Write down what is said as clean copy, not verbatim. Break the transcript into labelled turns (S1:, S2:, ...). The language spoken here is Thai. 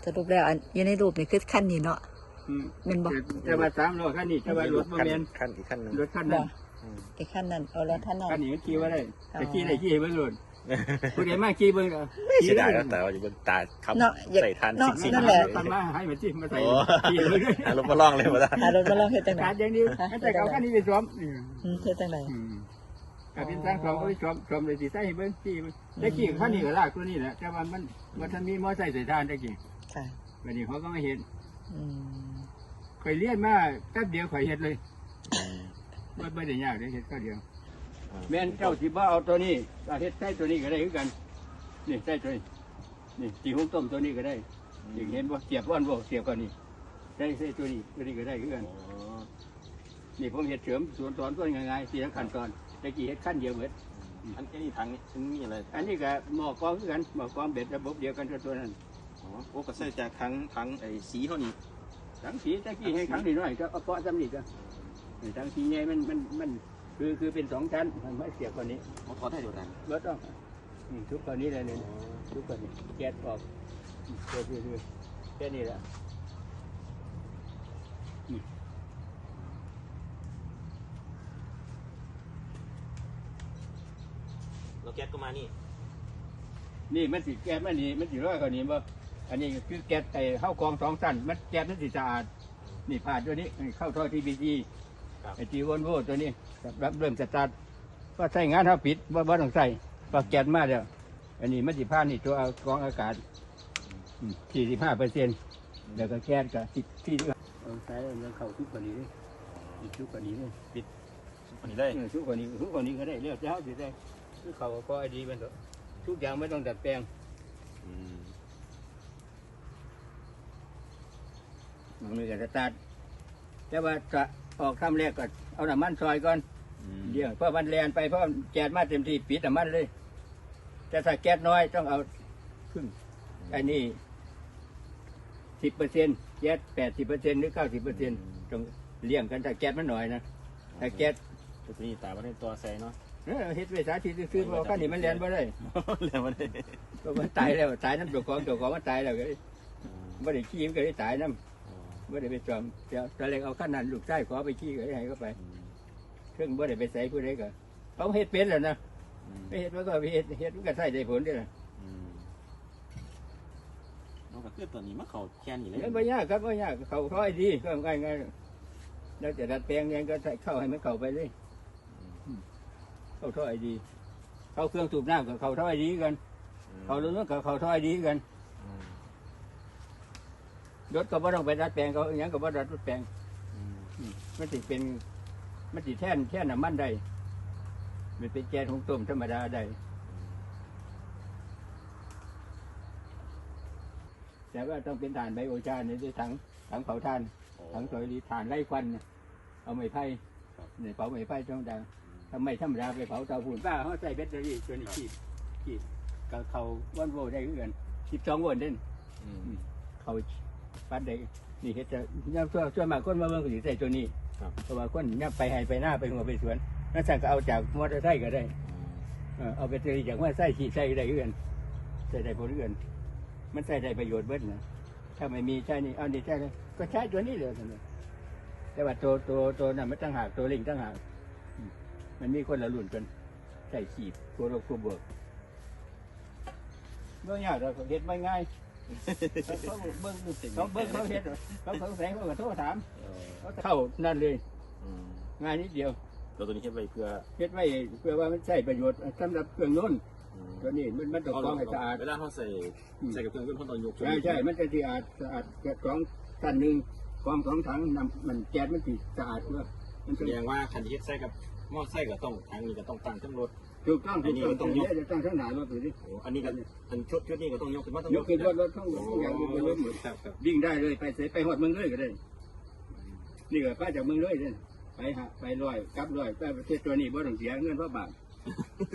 S1: สรุปแล้วอันอยู่ในรูปนี่คือขั้นนี้เนาะเป็นบอก
S2: จะมา3 ล้อขั้นนี้จะมารถมาเมน
S3: ขั้นอีกขั้นหนึ่ง
S2: รถขั้นนั้น
S1: ไอ้ขั้นนั้นเอาแล้วท่านนั้น
S2: ขั้นนี้ขี่ว่าได้แต่ขี่ได้ขี่เบิ้งรถผู้ใดมาขี่เบิ้ง
S3: ไม่เสียดายแล้วแต่ว่าอยู่บนตาคำใส่ทานสิ่ง
S1: นั่นแหละ
S2: ทำมาให้มาจิ้มมาใส่ขี่เบิ้งด้วย
S3: อารมณ์มาลองเลยมาได้
S1: อารมณ์มาลองเฮ็ดจังได๋
S2: การอย่างนี้แต่เขาขั้นนี้ไปซ้อม
S1: เฮ็ดจังได๋
S2: การเป็นสร้างซ้อมก็ไปซ้อมเลยสิใส่เบิ้งขี่ได้ขี่ขั้นนี้ก็ลากตัวนี้แหละแต่ว่ามันทันมีมอไซค์ใส่ทานได้กี่
S1: ค่ะ
S2: วันนี้เขาก็ไม่เห็นข่อยเลี้ยนมาแป๊บเดียวข่อยเห็ดเลยไม่ได้ยากเลยเห็ดก็เดียวแม่นเจ้าสิบ่เอาตัวนี้เห็ดใส่ตัวนี้ก็ได้คือกันนี่ใส่ตัวนี้นี่ตีหุ้มต้มตัวนี้ก็ได้อย่างเห็นว่าเสียบว่านบ่เสียบกันนี่ใส่ตัวนี้ก็ได้คือกันนี่ผมเห็ดเสริมส่วนตอนต้นง่ายๆสี่ขั้นตอนตะกี้เห็ดขั้นเดียวเหมือน
S3: อันนี้ถังนี่มีอะไร
S2: อันนี้ก็หม้อกองคือกันหม้อกองเบ็ดระบบเดียวกันตัวนั้น
S3: โอ้ก็ใส่จากถังไอ้สีเท่านี้
S2: ถังสีตะกี้ให้ถังนิดหน่อยก็เอาเปาะจำนี่ก็ถังสีใหญ่มันคือเป็น2 ชั้นมันไม่เสียบกว่านี้
S3: เขาถอดได้เดี๋ยวนั้น
S2: รถต้องทุกคนนี้เลยเนี่ยทุกคนนี้แก๊สออกคือแค่นี้แหละ
S3: เราแก๊สก็มา
S2: นี่มันสีแก๊สมันนี่มันสีร้อยกว่านี้บ่อันนี้คือแก๊สไอ้เข้ากอง2 ชั้นมันแก๊สมันสีสะอาดนี่ผ่านตัวนี้เข้าท่อทีบีจีไอจีวอนโวตัวนี้รับเริ่มสตาร์ทว่าใช้งานเท่าปิดว่าต้องใส่ว่าแก๊สมาเดียวอันนี้มันสิผ่านนี่ตัวกรองอากาศ45%แล้วก็แก๊สก็ที่เอาใส่แล้วเข้าทุกคนนี้เลยทุกคนนี้เลย
S3: ปิดคนนี้ได้
S2: ทุกคนนี้ก็ได้เรียกเจ้าสิได้คือเขาก็ไอดีมันทุกอย่างไม่ต้องดัดแปลงมันมีการสตาร์ทแต่ว่าจะออกทำแรกก็เอาน้ำมันซอยก่อนเดี๋ยวเพราะมันแรงไปเพราะแก๊สมาเต็มที่ปิดน้ำมันเลยแต่ถ้าแก๊สน้อยต้องเอาครึ่งอันนี้10%แก๊ส80%หรือ90%ต้องเลี้ยงกันถ้าแก๊สมันหน่อยนะถ้าแก๊ส
S3: ตัวนี้ตามันตัวใส่เนาะ
S2: เฮ็ดไว้สาธิตซื้อเพราะขั้นนี้มันแรงบ่ได้
S3: แรงบ่ได้
S2: ก็มันตายแล้วตายน้ำตัวของมันตายแล้วก็ไม่ได้ขี้มันก็ได้ตายน้ำไม่ได้ไปจอมตอนแรกเอาขั้นนั้นลูกชายขอไปขี้ก็ให้เข้าไปเครื่องไม่ได้ไปใส่ผู้ใดก็เขาเฮ็ดเป็นแล้วนะไม่เฮ็ดมันก็เฮ็ดมันก็ใส่ได้ผลด้วยนะ
S3: เราก็คือตัวนี้มันเขาแค่นี้เลย
S2: ไม่ยากครับไม่ยากเขาค่อยดีก็ง่ายแล้วจะดัดแปลงยังก็เข้าให้มันเข้าไปเลยเข้าท่อไอดีเข้าเครื่องสูบน้ำกับเข้าท่อไอดีกันเข้าเรื่องกับเข้าท่อไอดีกันรถก็ไม่ต้องไปดัดแปลงเขาอย่างก็ไม่ดัดแปลงมันติเป็นมันติแท่นน้ำมันได้มันเป็นแก๊สหุงต้มธรรมดาได้แต่ว่าต้องเป็นถ่านไบโอชาในถังเผาถ่านถังสอยดีถ่านไร้ควันเอาไม้ไผ่เนี่ยเผาไม้ไผ่ต้องดังทำไมธรรมดาไปเผาเตาฝุ่นบ้าเขาใส่แบตเตอรี่ตัวนี้ขีดกับเขาวันโวได้เงิน12 โวลต์เด่นเขาปัดได้นี่เฮ็ดจะย่ำช่วยมาคนมาเมืองก็สิใส่ตัวนี้เพราะว่าคนย่ำไปให้ไปหน้าไปหัวไปสวนนั่นสั่งก็เอาจากมอเตอร์ไซค์ก็ได้เอาแบตเตอรี่จากมอเตอร์ไซค์ขีดใส่ได้เงินใส่ได้ผลเงินมันใส่ได้ประโยชน์เบิดนะถ้าไม่มีใช่นี่เอานี่ใช่เลยก็ใช้ตัวนี้เลยแต่ว่าตัวนั้นมันตั้งหากตัวลิงตั้งหากมันมีคนละรุ่นกันใส่ขีดตัวลบตัวบวกเมื่อยากเราเห็ดไม่ง่ายเขาเบิ้งเขาเห็ดเขาแสงเขาก็โทรถามเขาเข้านั่นเลยง่ายนิดเดียว
S3: ตัวนี้เฮ็ดไว้เ
S2: พื่อว่ามันใช้ประโยชน์สำหรับเครื่องนุ่นตัวนี้มันต้องกรองให้สะอาด
S3: เวลาเขาใส่กับเครื่องยนต์เขาต้องยก
S2: ใช่มันจะสะอาดแก๊สกรองชั้นหนึ่งกรอง2 ถังมันแก๊สมันสะอาดเพื่อ
S3: มันแสดงว่าคันที่ใส่กับหม้อใส่ก็ต้องถังนี้ก็ต้องตั้งทั้งรถ
S2: ถูกต้องต้องยกจะตั้งทั้งหนารถดูดิ
S3: อันนี้ก็ชุดนี้ก็ต้องยกขึ้นมาต้อง
S2: ยกขึ้นรถทั้งอย่างบนรถหมดวิ่งได้เลยไปหอดเมืองเลยก็ได้นี่ก็ป้าจากเมืองเลยเนี่ยไปลอยกลับลอยไปประเทศตัวนี้บ่ต้องเสียเงินเพราะบาป